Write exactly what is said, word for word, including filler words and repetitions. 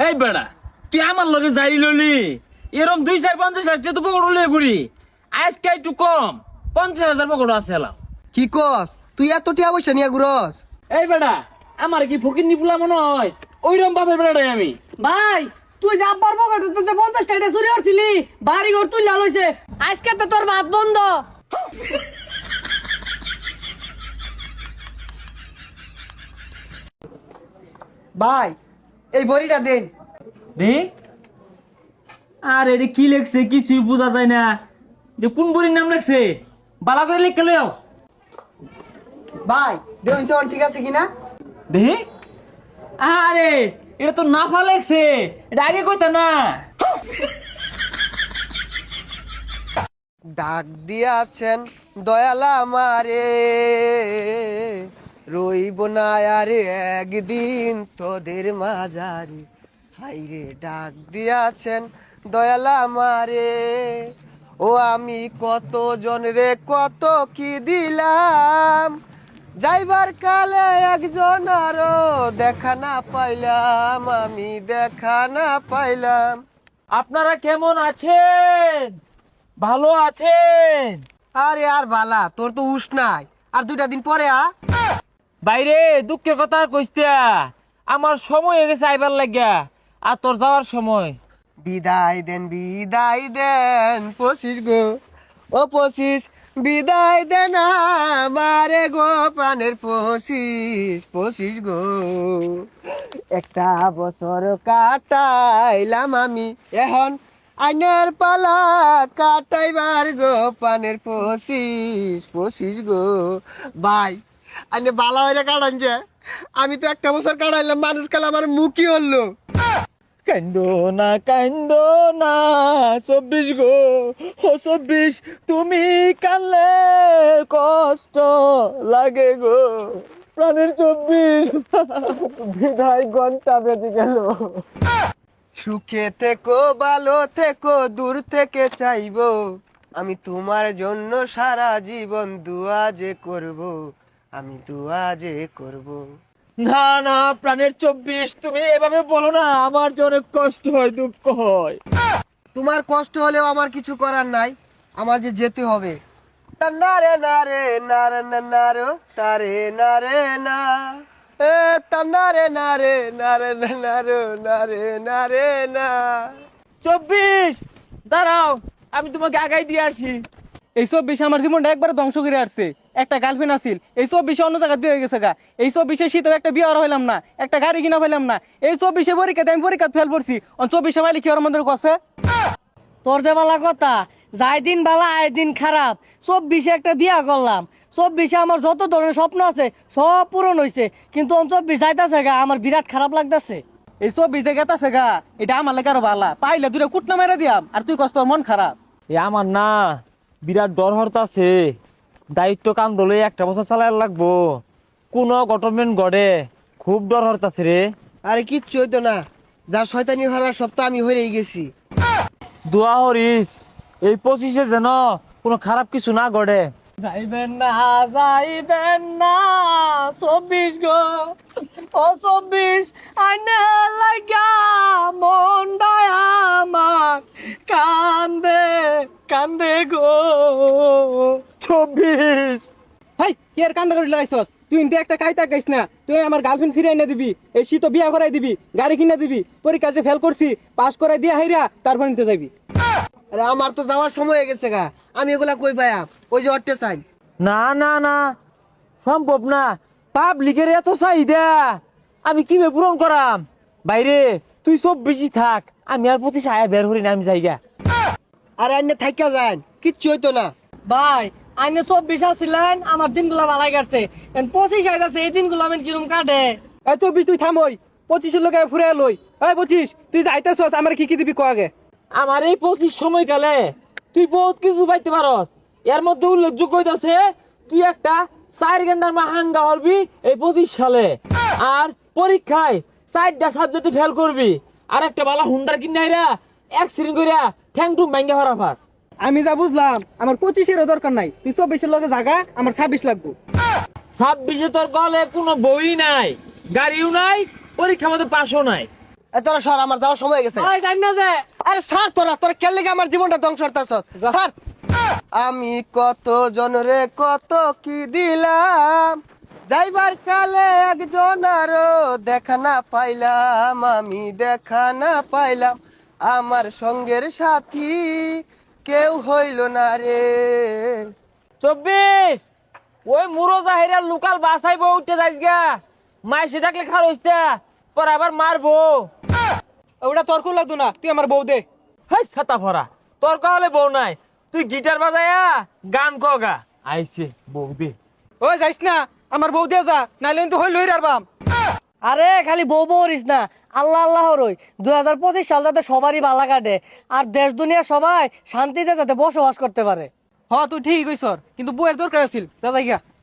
এই বেড়া তুই আমার লগে জারি ললি এরম দুই চার পঞ্চাশ লাখ টাকা তো পকড় লয়ে ঘুরি আজকে একটু কম পঞ্চাশ হাজার পকড় আছে এলাম। কি কস তুই এত টিয়া পয়সা নিয়ে ঘুরস? এই বেড়া আমার কি ফকির নিপুলা মনে হয় ওইরকম বাপের বেড়াটাই আমি। ভাই তুই যা পারবো যে পঞ্চাশ টাকা চুরি করছিলি বাড়ি ঘর তুই লাল হয়েছে আজকে তো তোর ভাত বন্ধ। ভাই এই বড়িটা দেন। দে আর এটা কি লেখছে কিছুই বোঝা যায় না, যে কোন বড়ির নাম লেখছে বালা করে লিখে লও। ভাই দেন চল ঠিক আছে কিনা? দে আরে এটা তো নাফা লেখছে, এটা আগে কইতা না। ডাক দিয়াছেন দয়ালা আমারে, রইব না আরে একদিন তোদের মাঝারে। হাইরে ডাক দিয়াছেন দয়ালা আমারে, ও আমি কত জনরে কত কি দিলাম, যাইবার কালে একজন আরো দেখা না পাইলাম, আমি দেখা না পাইলাম। আপনারা কেমন আছেন? ভালো আছেন? আরে আর বালা তোর তো উস নাই, আর দুইটা দিন পরে আ। বাইরে দুঃখের কথা আর কইস্তা, আমার সময় হয়ে গেছে আইবার লাগিয়া, আর তোর যাওয়ার সময়। বিদায় দেন বিদায় দেন পঁচিশ গো, ও পঁচিশ বিদায় দেন আমারে গো প্রাণের পঁচিশ, পঁচিশ গো। একটা বছর কাটাইলাম আমি, এখন আইনের পালা কাটাইবার গো প্রাণের পঁচিশ, পঁচিশ গো। ভাই আইনে বালা হইরে কাটান যে, আমি তো একটা বছর কাটাইলাম, মানুষ কাল আমার মুখই হলো। কান্দো না কান্দো না চব্বিশ গো, ও চব্বিশ তুমি কানলে কষ্ট লাগে গো, প্রাণের চব্বিশ বিদায় ঘন্টা বেজে গেল। সুখে থেকো ভালো থেকো দূর থেকে চাইবো, আমি তোমার জন্য সারা জীবন দুয়া যে করব, আমি দুয়া যে করব। না না প্রাণের চব্বিশ তুমি এভাবে বলো না, আমার যে অনেক কষ্ট হয় দুঃখ হয়। তোমার কষ্ট হলেও আমার কিছু করার নাই, আমার যে যেতে হবে। না রে না রে না রে না না রে তারে না রে না, এ তান্না রে না রে না রে না না রে না রে না রে না। চব্বিশ দাঁড়াও, আমি তোমাকে আগাই দিয়ে আসি। এই চব্বিশে আমার জীবনটা একবার ধ্বংস করে আসছে। একটা গার্লফ্রেন্ড আছিল, এই চব্বিশে অন্য জায়গায় বিয়ে হয়ে গেছে গা। এই চব্বিশে শীতেও একটা বিয়ে আর হইলাম না, একটা গাড়ি কিনা পাইলাম না। এই চব্বিশে পরীক্ষাতে আমি পরীক্ষা ফেল পড়ছি, চব্বিশে মাইলে কি ওর মন্দির কাছে। তোর যে বালা কথা, যাই দিন বালা আয় দিন খারাপ। চব্বিশে একটা বিয়া করলাম, চব্বিশে আমার যত ধরনের স্বপ্ন আছে সব পূরণ হয়েছে, কিন্তু চব্বিশ যাইতাছে গা, আমার বিরাট খারাপ লাগতেছে। এই চব্বিশ যে গেতাছে গা, এটা আমার লাগে আরো বালা, পাইলে দুটো কুটনা মেরে দিয়াম, আর তুই কষ্ট মন খারাপ। এ আমার না বিরাট ডর হরতাছে, দায়িত্ব কাম দলে একটা বছর চালাই লাগবো, কোন গভর্নমেন্ট গড়ে খুব ডর হরতাছে রে। আরে কিচ্ছু হইতো না, যা শয়তানি হওয়ার সব তো আমি হয়েই গেছি। দোয়া হরিস এই পঁচিশে যেন কোনো খারাপ কিছু না গড়ে। যাইবেন না যাইবেন না চব্বিশ গো, ও চব্বিশ আইনে লাগা মনটা আমার কান্দে কান্দে গো। চব্বিশ হাই কি আর কান্দা করে লাগাইছস? তুই ইনতে একটা কাইতা গাইস না, তুই আমার গার্লফ্রেন্ড ফিরে এনে দিবি, এই শীত বিয়া করাই দিবি, গাড়ি কিনে দিবি, পরীক্ষা যে ফেল করছি পাস করাই দিয়ে হাইরা তারপর নিতে যাবি। আরে আমার তো যাওয়ার সময় হয়ে গেছে গা, আমি এগুলা কই পাইয়া? ওই যে অট্টে চাই। না না না সম্ভব না, পাবলিকের এত চাহিদা আমি কিভাবে পূরণ করাম? বাইরে তুই সব বেশি থাক, আমি আর পঁচিশ আয়া বের করি না, আমি জায়গা। আরে আইনে থাইকা যান, কিচ্ছু হইতো না। ভাই আইনে চব্বিশ আসছিলেন, আমার দিনগুলা ভালাই কাটছে, পঁচিশ আইতাছে, এই দিনগুলো আমি কিরম কাটে। এই চব্বিশ তুই থামই, পঁচিশের লোক ফুরে লই। এই পঁচিশ তুই যাইতেছস, আমার কি কি দিবি ক আগে। আমার এই পঁচিশ সময়কালে তুই বহুত কিছু পাইতে পারস, এর মধ্যে উল্লেখযোগ্য হইতাছে তুই একটা চার গেন্দার মা হাঙ্গা হরবি এই পঁচিশ সালে, আর পরীক্ষায় চারটা সাবজেক্টে ফেল করবি, আর একটা বালা হুন্ডার কিনাইরা অ্যাক্সিডেন্ট কইরা ঠ্যাং টুং ভাঙ্গা হরা পাস। আমি যা বুঝলাম আমার পঁচিশেরও দরকার নাই, তুই চব্বিশের লগে জাগা, আমার ছাব্বিশ লাগবো। ছাব্বিশে তোর গলে কোনো বই নাই, গাড়িও নাই, পরীক্ষা মতো পাশও নাই। এ তোরা সর, আমার যাওয়ার সময় হয়ে গেছে। ওই জানি না যে আরে স্যার, তোরা তোরা কেন লেগে আমার জীবনটা ধ্বংস করতেছ স্যার? আমি কত জনরে কত কি দিলাম, যাইবার কালে একজন আরো দেখা না পাইলাম, আমি দেখা না পাইলাম, আমার সঙ্গের সাথী কেউ হইল না রে। চব্বিশ ওই মুরো জাহিরার লোকাল বাসাইব উঠতে যাইস গা, মাইসে ডাকলে খার হইস্তা পর আবার মারবো। ওটা তোর কোন লাগতো না, তুই আমার বউ দে। হাই ছাতা ভরা, তোর কহলে বউ নাই, তুই গিটার বাজায়া গান কগা। আইছে বউ দে। ওই যাইস না, আমার বউ দিয়ে যা, নাইলে কিন্তু হই লই রারবাম। আরে খালি বউ বউরিস না, আল্লাহ আল্লাহ রই। দুই হাজার পঁচিশ সাল যাতে সবারই ভালো কাটে, আর দেশ দুনিয়া সবাই শান্তিতে যাতে বসবাস করতে পারে। হ তুই ঠিকই কইছর, কিন্তু বউয়ের দরকার আছিল, যা যাই গা।